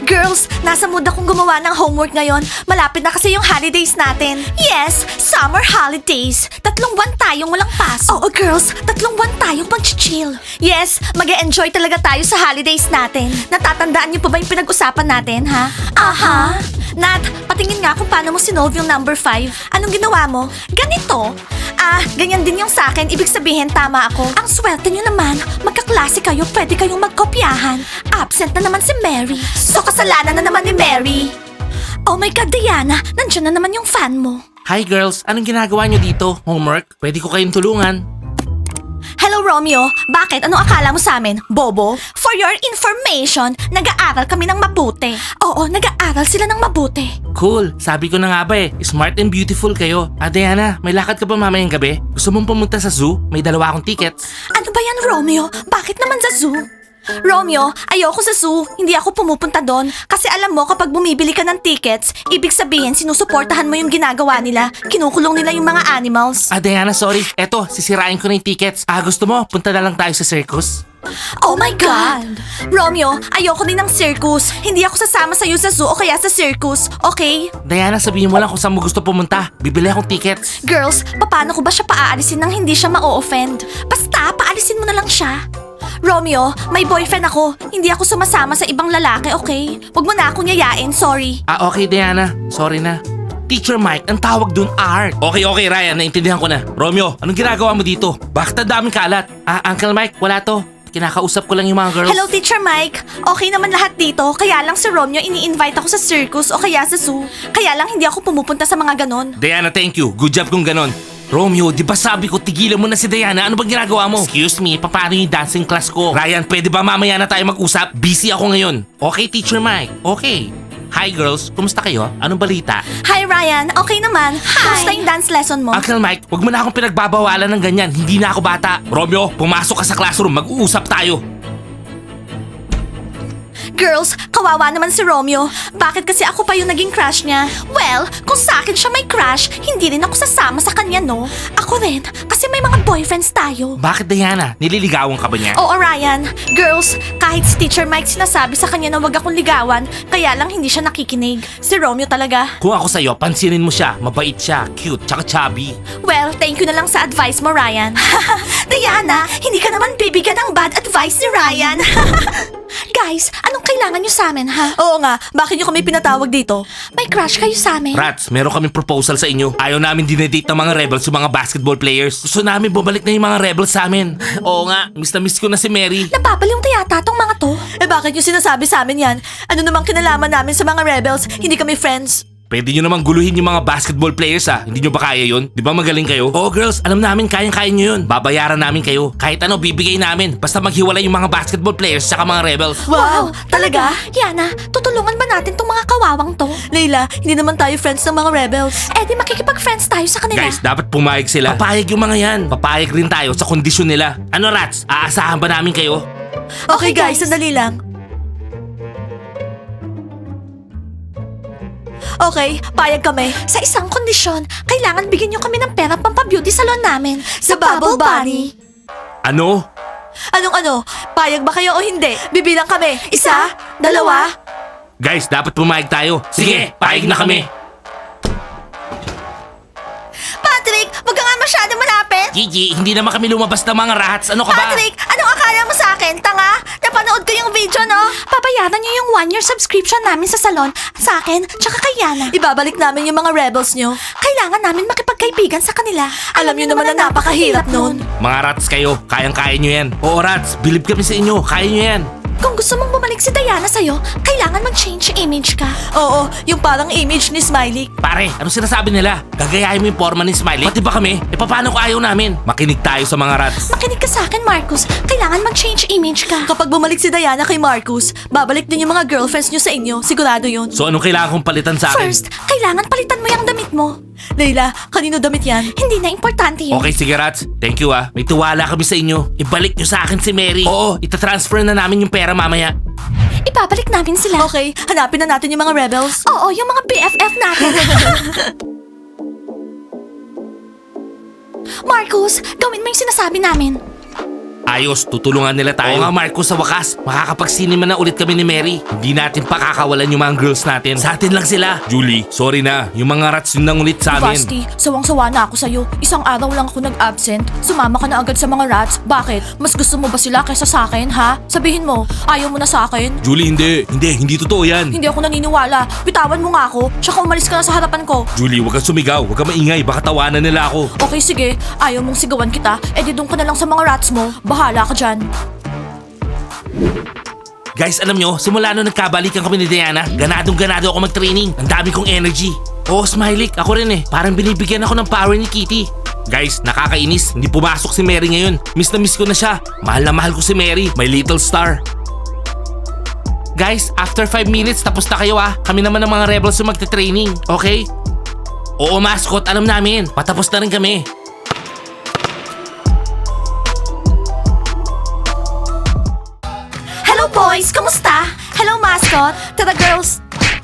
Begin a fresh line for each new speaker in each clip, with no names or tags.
Girls, nasa mood akong gumawa ng homework ngayon. Malapit na kasi yung holidays natin. Yes, summer holidays. 3 buwan tayong walang pasok. Oo, girls, 3 buwan tayong mag-chill. Yes, mag-enjoy talaga tayo sa holidays natin. Natatandaan niyo pa ba yung pinag-usapan natin, ha? Aha. Nat, patingin nga kung paano mo sinolve yung number 5. Anong ginawa mo? Ganito. Ganyan din yung sa akin. Ibig sabihin, tama ako. Ang swerte nyo naman. Magkaklase kayo, pwede kayong magkopyahan. Absent na naman si Mary. So, kasalanan na naman ni Mary. Oh my God, Diana. Nandiyan na naman yung fan mo.
Hi girls, anong ginagawa nyo dito? Homework? Pwede ko kayong tulungan.
Hello, Romeo. Bakit? Anong akala mo sa amin? Bobo? For your information, nag-aaral kami ng mabuti. Oo, nag-aaral sila ng mabuti.
Cool, sabi ko na nga ba smart and beautiful kayo. Diana, may lakad ka ba mamayang gabi? Gusto mong pumunta sa zoo? May 2 akong tickets.
Ano ba yan, Romeo? Bakit naman sa zoo? Romeo, ayoko sa zoo. Hindi ako pumupunta doon. Kasi alam mo, kapag bumibili ka ng tickets, ibig sabihin sinusuportahan mo yung ginagawa nila. Kinukulong nila yung mga animals.
Diana, sorry. Eto, sisirain ko na yung tickets. Gusto mo, punta na lang tayo sa circus?
Oh my God! Romeo, ayoko din ng circus. Hindi ako sasama sa'yo sa zoo o kaya sa circus, okay?
Diana, sabihin mo lang kung saan mo gusto pumunta. Bibili akong tickets.
Girls, paano ko ba siya paaalisin nang hindi siya ma-offend? Basta, paalisin mo na lang siya. Romeo, may boyfriend ako. Hindi ako sumasama sa ibang lalaki, okay? Huwag mo na akong yayain, sorry.
Okay Diana. Sorry na. Teacher Mike, ang tawag dun art. Okay, Ryan. Naintindihan ko na. Romeo, anong ginagawa mo dito? Bakit ang daming kalat? Uncle Mike, wala to. Kinakausap ko lang yung mga girls.
Hello, Teacher Mike. Okay naman lahat dito. Kaya lang si Romeo ini-invite ako sa circus o kaya sa zoo. Kaya lang hindi ako pumupunta sa mga ganon.
Diana, thank you. Good job kung ganon. Romeo, di ba sabi ko tigilan mo na si Diana? Ano bang ginagawa mo? Excuse me, paano yung dancing class ko? Ryan, pwede ba mamaya na tayo mag-usap? Busy ako ngayon. Okay, Teacher Mike. Okay. Hi girls, kumusta kayo? Anong balita?
Hi Ryan, okay naman. Kumusta yung dance lesson mo?
Uncle Mike, wag mo na akong pinagbabawalan ng ganyan. Hindi na ako bata. Romeo, pumasok ka sa classroom. Mag-uusap tayo.
Girls, kawawa naman si Romeo. Bakit kasi ako pa yung naging crush niya? Well, kung sa akin siya may crush, hindi rin ako sasama sa kanya, no? Ako rin, kasi may mga boyfriends tayo.
Bakit Diana? Nililigawan ka ba niya?
Oo, Ryan. Girls, kahit si Teacher Mike sinasabi sa kanya na wag akong ligawan, kaya lang hindi siya nakikinig. Si Romeo talaga.
Kung ako sa'yo, pansinin mo siya. Mabait siya, cute, tsaka chubby.
Well, thank you na lang sa advice mo, Ryan. Diana, hindi ka naman bibigyan ng bad advice ni Ryan. Guys, anong kailangan nyo sa amin, ha? Oo nga, bakit nyo kami pinatawag dito? May crush kayo sa amin?
Rats, meron kaming proposal sa inyo. Ayaw namin dinedate ng mga rebels yung mga basketball players. Gusto namin bumalik na yung mga rebels sa amin. Oo nga, miss na miss ko na si Mary.
Napapaliw yata tong mga to. Bakit nyo sinasabi sa amin yan? Ano namang kinalaman namin sa mga rebels? Hindi kami friends.
Pwede nyo namang guluhin yung mga basketball players Hindi nyo ba kaya yun? Di ba magaling kayo? Oo girls, alam namin kayang-kaya nyo yun. Babayaran namin kayo. Kahit ano, bibigay namin. Basta maghiwalay yung mga basketball players saka mga rebels.
Wow, talaga? Yana, tutulungan ba natin tong mga kawawang to? Layla, hindi naman tayo friends ng mga rebels. Di makikipag-friends tayo sa kanila.
Guys, dapat pumayag sila. Papayag yung mga yan. Papayag rin tayo sa kondisyon nila. Ano Rats, aasahan ba namin kayo?
Okay guys, sandali lang. Okay, payag kami. Sa isang kondisyon, kailangan bigyan nyo kami ng pera pampabeauty salon namin. Sa Bubble Bunny.
Ano?
Anong ano? Payag ba kayo o hindi? Bibilang kami. 1, 2.
Guys, dapat pumayag tayo. Sige, payag na kami.
Patrick, wag ka nga masyado malapit.
Gigi, hindi naman kami lumabas ng mga rats. Ano ka ba?
Patrick, anong akala mo sa akin? Tanga? Napanood ko yung video, no? Papayaran niyo yung 1-year subscription namin sa salon. Sa akin, tsaka kay Yana. Ibabalik namin yung mga rebels nyo. Kailangan namin makipagkaibigan sa kanila. Alam niyo naman na napakahirap nun.
Mga rats kayo, kayang-kaya nyo yan. Oo rats, believe kami sa inyo, kaya nyo yan.
Kung gusto mong bumalik si Diana sa'yo, kailangan mag-change image ka. Oo, yung parang image ni Smiley.
Pare, ano sinasabi nila? Gagayahin mo yung forma ni Smiley? Pati ba kami? Paano kung ayaw namin? Makinig tayo sa mga rats.
Makinig ka sa akin, Marcus. Kailangan mag-change image ka. Kapag bumalik si Diana kay Marcus, babalik din yung mga girlfriends nyo sa inyo. Sigurado yun.
So anong kailangan kong palitan sa akin?
First, kailangan palitan mo yung damit mo. Leila, kanino damit yan? Hindi na importante yun.
Okay, sige rats. Thank you May tiwala kami sa inyo. Ibalik nyo sa akin si Mary. Oo, itatransfer na namin yung pera mamaya.
Ibabalik namin sila. Okay, hanapin na natin yung mga rebels. Oo, yung mga BFF natin. Marcus, gawin mo yung sinasabi namin.
Ayos, tutulungan nila tayo. Oo nga Marco, sa wakas, makakapag-cinema na ulit kami ni Mary. Hindi natin pakakawalan yung mga girls natin. Sa atin lang sila. Julie, sorry na. Yung mga rats yung nangulit sa amin.
Basti, sawang-sawa na ako sa'yo. Isang araw lang ako nag-absent. Sumama ka na agad sa mga rats. Bakit? Mas gusto mo ba sila kaysa sa akin, ha? Sabihin mo, ayaw mo na sa akin?
Julie, hindi totoo yan.
Hindi ako naniniwala. Bitawan mo nga ako, tsaka umalis ka na sa harapan ko.
Julie, huwag kang sumigaw. Huwag kang maingay. Baka tawanan nila ako.
Okay, sige. Ayaw mong sigawan kita. Di doon ka na lang sa mga rats mo. Bahala ka dyan.
Guys, alam nyo, simula nung nagkabalikan kami ni Diana, ganadong-ganado ako mag-training. Ang dami kong energy. Oo, Smiley, ako rin eh. Parang binibigyan ako ng power ni Kitty. Guys, nakakainis. Hindi pumasok si Mary ngayon. Miss na miss ko na siya. Mahal na mahal ko si Mary, my little star. Guys, after 5 minutes, tapos na kayo ah. Kami naman ng mga rebels yung magte-training, okay? Oo, mascot, alam namin. Patapos na rin kami.
Hello boys, kamusta? Hello mascot. Tara girls.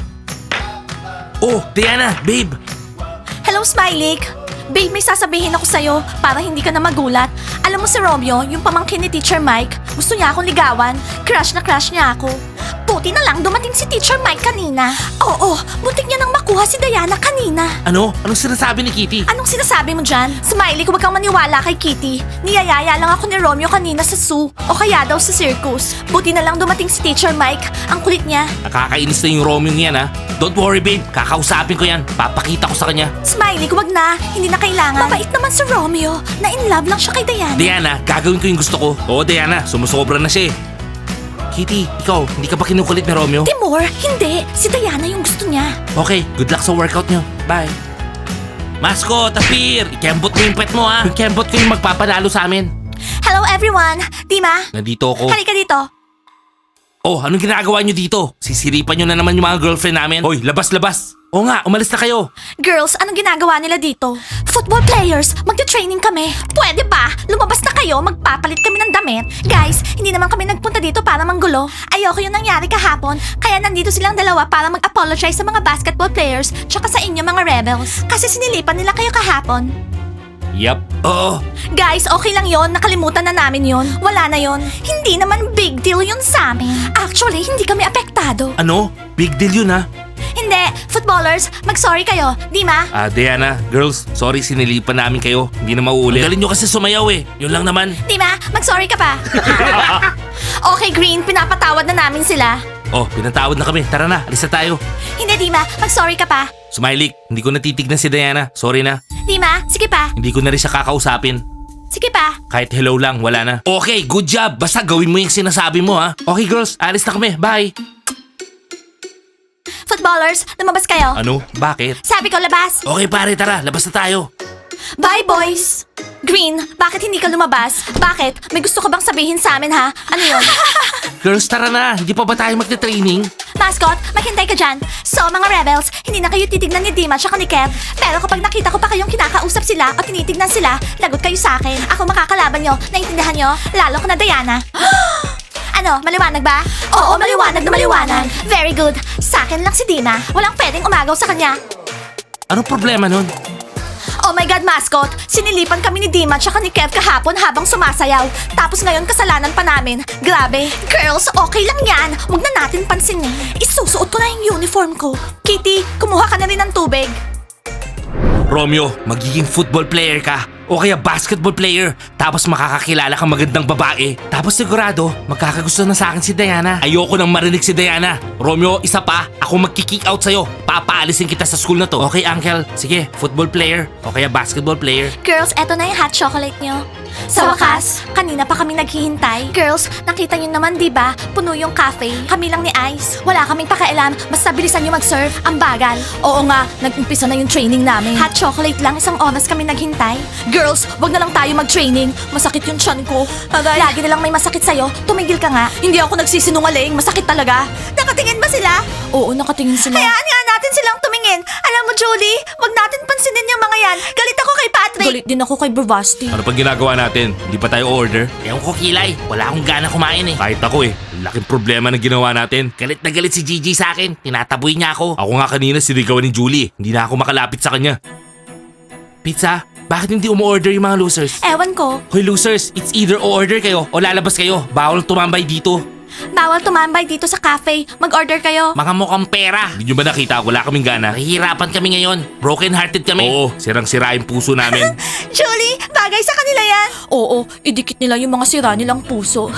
Oh, Diana, babe.
Hello Smiley. Babe, may sasabihin ako sa'yo para hindi ka na magulat. Alam mo si Romeo, yung pamangkin ni Teacher Mike, gusto niya akong ligawan. Crush na crush niya ako. Buti na lang dumating si Teacher Mike kanina. Oo, butik niya nang makuha si Diana kanina.
Ano? Anong sinasabi ni Kitty?
Anong sinasabi mo dyan? Smiley, huwag kang maniwala kay Kitty. Niyayaya lang ako ni Romeo kanina sa zoo o kaya daw sa circus. Buti na lang dumating si Teacher Mike. Ang kulit niya.
Nakakainis na yung Romeo niyan ha. Don't worry babe, kakausapin ko yan. Papakita ko sa kanya.
Smiley, huwag na. Hindi na kailangan. Mabait naman si Romeo. Na in love lang siya kay Diana.
Diana, gagawin ko yung gusto ko. Oo Diana, sumusobra na siya eh. Kitty, ikaw, hindi ka ba kinukulit ni Romeo?
Timur, hindi. Si Diana yung gusto niya.
Okay, good luck sa workout nyo. Bye. Mascot, appear! Ikembot mo yung pet mo ha. Yung kembot ko yung magpapanalo sa amin.
Hello everyone. Dima,
Nandito ako.
halika dito.
Oh, anong ginagawa nyo dito? Sisiripan nyo na naman yung mga girlfriend namin. Hoy, labas! Oo nga, umalis na kayo.
Girls, anong ginagawa nila dito? Football players, magte-training kami. Pwede ba? Lumabas na kayo, magpapalit kami ng damit. Guys, hindi naman kami nagpunta dito para manggulo. Ayoko yung nangyari kahapon, kaya nandito silang dalawa para mag-apologize sa mga basketball players tsaka sa inyo mga rebels. Kasi sinilipan nila kayo kahapon.
Yup. Oo.
Guys, okay lang yon. Nakalimutan na namin yon. Wala na yon. Hindi naman big deal yun sa amin. Actually, hindi kami apektado.
Ano? Big deal yun ha.
Hindi. Footballers, mag-sorry kayo. Dima?
Diana, girls, sorry sinilipan namin kayo. Hindi na mauulit. Ang galing nyo kasi sumayaw eh. Yun lang naman.
Dima, mag-sorry ka pa. Okay, Green, pinapatawad na namin sila.
Oh, pinatawad na kami. Tara na, alis na tayo.
Hindi, Dima, mag-sorry ka pa.
Smiley, hindi ko natitignan si Diana. Sorry na.
Dima, sige pa.
Hindi ko na rin siya kakausapin.
Sige pa.
Kahit hello lang, wala na. Okay, good job. Basta gawin mo yung sinasabi mo ha. Okay girls, alis na kami. Bye.
Footballers, lumabas kayo.
Ano? Bakit?
Sabi ko, labas.
Okay pare, tara. Labas na tayo.
Bye, boys. Green, bakit hindi ka lumabas? Bakit? May gusto ka bang sabihin sa amin, ha? Ano yun?
Girls, tara na. Hindi pa ba tayo magte-training?
Mascot, maghintay ka dyan. So, mga rebels, hindi na kayo titignan ni Dima at ni Kev. Pero kapag nakita ko pa kayong kinakausap sila o tinitignan sila, lagot kayo sa akin. Ako makakalaban nyo. Naintindihan nyo? Lalo ko na Diana. Ano, maliwanag ba? Oo, maliwanag na maliwanag. Very good. Sa akin lang si Dima. Walang pwedeng umagaw sa kanya.
Anong problema nun?
Oh my God, mascot! Sinilipan kami ni Dima tsaka ni Kev kahapon habang sumasayaw. Tapos ngayon kasalanan pa namin. Grabe. Girls, okay lang yan. Huwag na natin pansinin. Isusuot ko na yung uniform ko. Kitty, kumuha ka na rin ng tubig.
Romeo, magiging football player ka. O kaya basketball player. Tapos makakakilala kang magandang babae. Tapos sigurado, magkakagusto na sa akin si Diana. Ayoko nang marinig si Diana. Romeo, isa pa, ako magki-kick out sa'yo. Papaalisin kita sa school na to. Okay, uncle? Sige, football player. O kaya basketball player.
Girls, eto na yung hot chocolate nyo. Sa wakas, kanina pa kami naghihintay. Girls, nakita nyo naman di ba? Puno yung cafe. Kami lang ni Ice. Wala kaming pakialam. Basta bilisan nyo mag-serve. Ang bagal. Oo nga, nag-umpisa na yung training namin. Hot chocolate lang, isang oras kami naghintay. Girls, wag na lang tayo mag-training. Masakit yung tiyan ko. Aray. Lagi na lang may masakit sa'yo. Tumigil ka nga. Hindi ako nagsisinungaling. Masakit talaga. Nakatingin ba sila? Oo, nakatingin sila. Hayaan nga natin silang tumingin. Alam mo, Julie, wag natin pansinin yung mga yan. Galit ako kay Patrick. Galit din ako kay Bravasti.
Ano pang ginagawa natin? Hindi pa tayo order? Ewan ko, Kilay. Wala akong gana kumain eh. Kahit ako eh. Laking problema na ginawa natin. Galit na galit si Gigi sa akin. Tinataboy niya ako. Ako nga kanina sinigawan ni Julie. Hindi na ako makalapit sa kanya. Pizza? Bakit hindi umu-order yung mga losers?
Ewan ko.
Hoy losers, it's either o-order kayo o lalabas kayo. Bawal tumambay dito.
Bawal tumambay dito sa cafe. Mag-order kayo.
Mga mukhang pera. Hindi nyo ba nakita? Wala kaming gana. Nahihirapan kami ngayon. Broken hearted kami. Oo, sirang-sira yung puso namin.
Julie, bagay sa kanila yan. Oo, idikit nila yung mga sira nilang puso.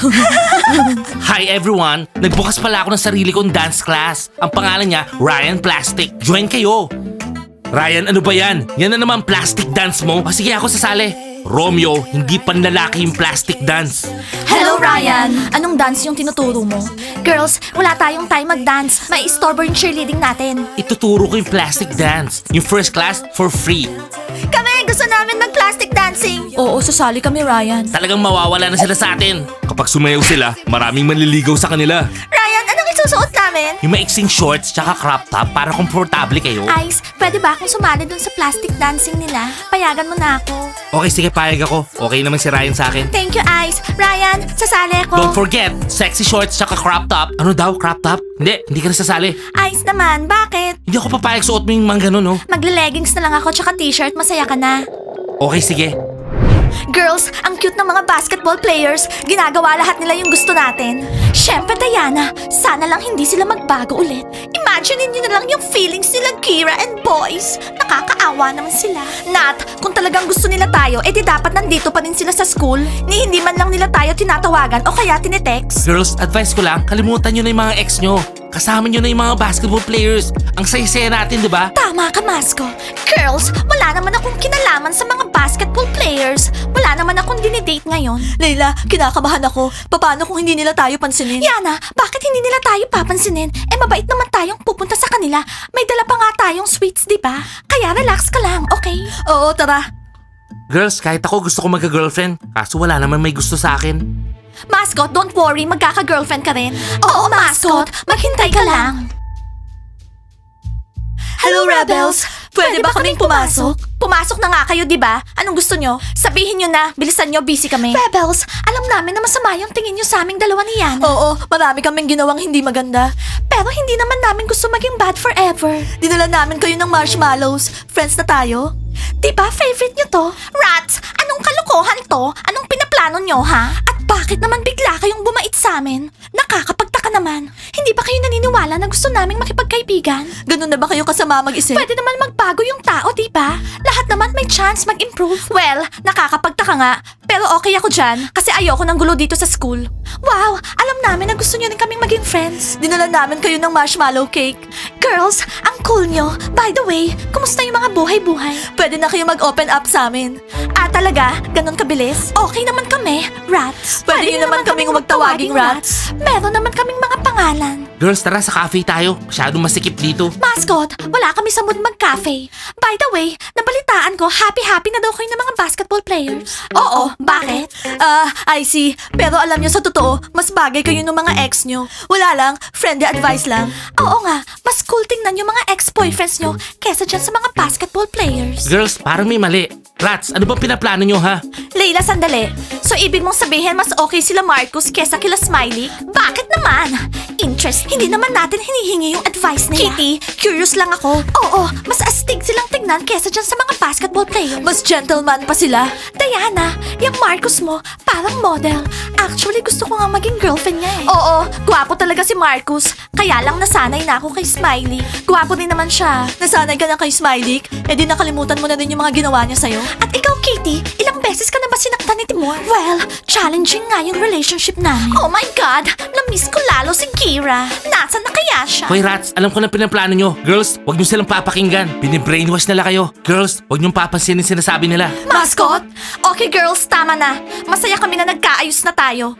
Hi everyone! Nagbukas pala ako ng sarili kong dance class. Ang pangalan niya, Ryan Plastic. Join kayo! Ryan, ano ba yan? Yan na naman plastic dance mo? O sige, ako sasali. Romeo, hindi panlalaki yung plastic dance.
Hello, Ryan. Anong dance yung tinuturo mo? Girls, wala tayong time mag-dance. May istorbo yung cheerleading natin.
Ituturo ko yung plastic dance. Yung first class, for free.
Kami, gusto namin mag-plastic dancing. Oo, sasali kami, Ryan.
Talagang mawawala na sila sa atin. Kapag sumayaw sila, maraming manliligaw sa kanila.
Ryan, anong isusuot namin?
Yung maiksing shorts tsaka crop top para komportable kayo.
Ice, pwede ba akong sumali dun sa plastic dancing nila? Payagan mo na ako.
Okay, sige, payag ako. Okay naman si Ryan sa akin.
Thank you, Ice. Ryan, sasali ako.
Don't forget, sexy shorts tsaka crop top. Ano daw, crop top? Hindi ka na sasali.
Ice naman, bakit?
Hindi ako papayag suot mo yung mga ganun, no?
Magle-leggings na lang ako tsaka t-shirt, masaya ka na.
Okay, sige.
Girls, ang cute ng mga basketball players. Ginagawa lahat nila yung gusto natin. Syempre, Diana, sana lang hindi sila magbago ulit. Imagine niyo na lang yung feelings nila, Kira and boys. Nakakaawa naman sila. Nat, kung talagang gusto nila tayo, edi dapat nandito pa rin sila sa school. Ni hindi man lang nila tayo tinatawagan o kaya tinetext.
Girls, advice ko lang, kalimutan nyo na yung mga ex nyo. Kasama nyo na yung mga basketball players. Ang saya-saya natin, di ba?
Tama ka, Masko. Girls, wala naman akong kinalaman sa mga basketball players. Wala naman akong dinidate ngayon. Leila, kinakabahan ako. Paano kung hindi nila tayo pansinin? Yana, bakit hindi nila tayo papansinin? Eh, mabait naman tayong pupunta sa kanila. May dala pa nga tayong sweets, di ba? Kaya relax ka lang, okay? Oo, tara.
Girls, kahit ako gusto ko magka-girlfriend. Kaso wala naman may gusto sa akin.
Mascot, don't worry, magkaka-girlfriend ka rin. Oo, Mascot, maghintay ka lang. Hello, Rebels! Pwede ba kaming pumasok? Pumasok na nga kayo, di ba? Anong gusto nyo? Sabihin nyo na, bilisan nyo, busy kami. Rebels, alam namin na masama yung tingin nyo sa aming dalawa ni Yana. Oo, marami kaming ginawang hindi maganda. Pero hindi naman namin gusto maging bad forever. Dinala namin kayo ng marshmallows. Friends na tayo. Di ba favorite nyo to? Rats, anong kalokohan to? Anong pinaplano nyo, ha? At bakit naman bigla kayong bumait sa amin? Nakakapagtaka naman. Hindi ba kayo naniniwala na gusto naming makipagkaibigan? Ganun na ba kayo kasama mag-isip? Pwede naman magbago yung tao, di ba? Lahat naman may chance mag-improve. Well, nakakapagtaka nga. Pero okay ako dyan kasi ayoko ng gulo dito sa school. Wow, alam namin na gusto nyo rin kaming maging friends. Dinala namin kayo ng marshmallow cake. Girls, ang cool nyo. By the way, kumusta yung mga buhay-buhay? Pwede na kayo mag-open up sa amin. Ah, talaga? Ganon kabilis? Okay naman kami, rats. Pwede nyo naman kaming magtawaging rats. Meron naman kaming mga pangalan.
Girls, tara sa cafe tayo. Masyadong masikip dito.
Mascot, wala kami sa mood mag-cafe. By the way, nabalitaan ko, happy-happy na daw kayo ng mga basketball players. Oo, bakit? I see. Pero alam nyo sa totoo, mas bagay kayo ng mga ex nyo. Wala lang, friendly advice lang. Oo nga, mas cool tingnan yung mga ex-boyfriends nyo kesa dyan sa mga basketball players.
Girls, parang may mali. Rats, ano bang pinaplano nyo, ha?
Leila, sandali. So, ibig mong sabihin mas okay sila Marcus kesa kila Smiley? Bakit naman? Interest, hindi naman natin hinihingi yung advice nila. Kitty, curious lang ako. Oo, mas astig silang tignan kesa dyan sa mga basketball players. Mas gentleman pa sila. Diana, yung Marcus mo, parang model. Actually, gusto ko nga maging girlfriend niya eh. Oo, gwapo talaga si Marcus. Kaya lang nasanay na ako kay Smiley. Gwapo din naman siya. Nasanay ka na kay Smiley? Eh di nakalimutan mo na din yung mga ginawa niya sa'yo. At ikaw, Kitty, ilang beses ka na ba sinaktan ni Timur? Well, challenging nga yung relationship namin. Oh my God! Na-miss ko lalo si Kira. Nasaan na kaya siya?
Hoy Rats, alam ko na pinaplano nyo. Girls, wag nyo silang papakinggan. Binibrainwash nila kayo. Girls, wag nyo papansinin sinasabi nila.
Mascot? Okay girls, tama na. Masaya kami na nagkaayos na tayo.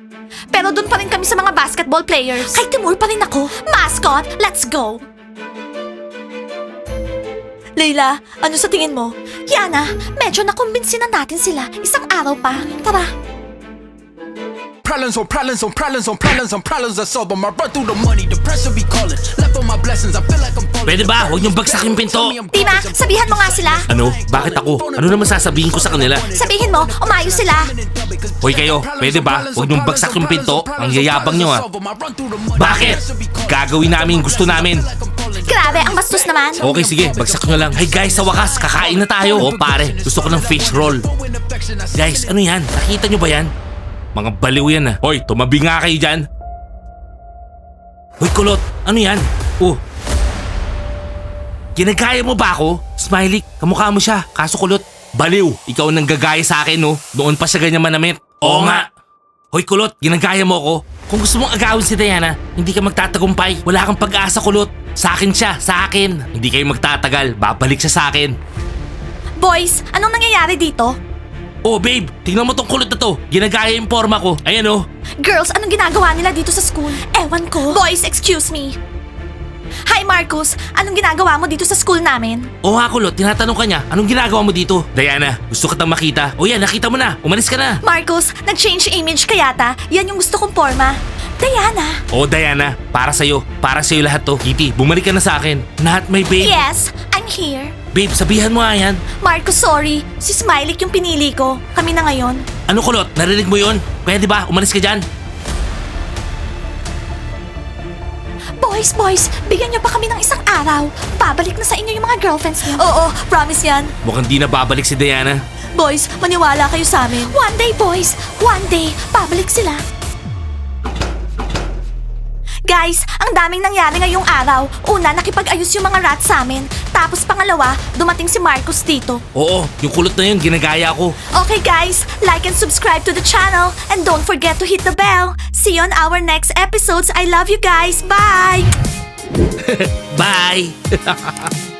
Pero doon pa rin kami sa mga basketball players. Kay Timur pa rin ako. Mascot, let's go! Leila, ano sa tingin mo? Yana, medyo nakumbinsi na natin sila. Isang araw pa. Tara.
Problems on problems on problems on problems on problems I solve them. I run through the money, the pressure be calling. Left on my blessings, I feel like I'm falling.
Pwede ba? Huwag niyong bagsak yung pinto.
Tina, sabihan mo nga sila.
Ano? Bakit ako? Ano naman sasabihin ko sa kanila?
Sabihin mo, umayos sila.
Hoy kayo, pwede ba? Huwag niyong bagsak yung pinto. Ang yayabang niyo, ha? Bakit? Gagawin namin yung gusto namin.
Grabe pare, ang bastos naman.
Okay, sige. Bagsak nyo lang. Hey guys, sa wakas, kakain na tayo. Oh, pare. Gusto ko ng fish roll. Guys, ano yan? Nakita nyo ba yan? Mga baliw yan ah. Hoy, tumabi nga kayo dyan. Hoy, kulot. Ano yan? Oh. Ginagaya mo ba ako? Smiley, kamukha mo siya. Kaso kulot. Baliw, ikaw ang nanggagaya sa akin, no? Noon pa siya ganyan manamit. Oo nga. Hoy, kulot, ginagaya mo ako. Kung gusto mong agawin si Diana, hindi ka magtatagumpay. Wala kang pag-asa, kulot. Sa akin siya, sa akin. Hindi kayo magtatagal. Babalik siya sa akin.
Boys, anong nangyayari dito?
Oh, babe, tingnan mo tong kulot na to. Ginagaya yung forma ko. Ayan, oh.
Girls, anong ginagawa nila dito sa school? Ewan ko. Boys, excuse me. Hi, Marcus. Anong ginagawa mo dito sa school namin?
Oo nga, kulot. Tinatanong ka niya, anong ginagawa mo dito? Diana, gusto kitang makita. O yan, nakita mo na. Umalis ka na.
Marcus, nag-change image ka yata. Yan yung gusto kong forma. Diana.
Oh, Diana, para sa'yo. Para sa'yo lahat to. Kitty, bumalik ka na sa akin. Not my babe.
Yes, I'm here.
Babe, sabihan mo nga yan.
Marcus, sorry. Si Smiley yung pinili ko. Kami na ngayon.
Ano, kulot? Narinig mo yun? Pwede ba? Umalis ka dyan.
Boys, bigyan niyo pa kami ng isang araw. Babalik na sa inyo yung mga girlfriends niyo. Oo, promise yan.
Mukhang di na babalik si Diana.
Boys, maniwala kayo sa amin. One day, boys. One day, babalik sila. Guys, ang daming nangyari ngayong araw. Una, nakipag-ayos yung mga rats sa amin. Tapos pangalawa, dumating si Marcus dito.
Oo, yung kulot na yun, ginagaya ko.
Okay guys, like and subscribe to the channel. And don't forget to hit the bell. See you on our next episodes. I love you guys. Bye!
Bye!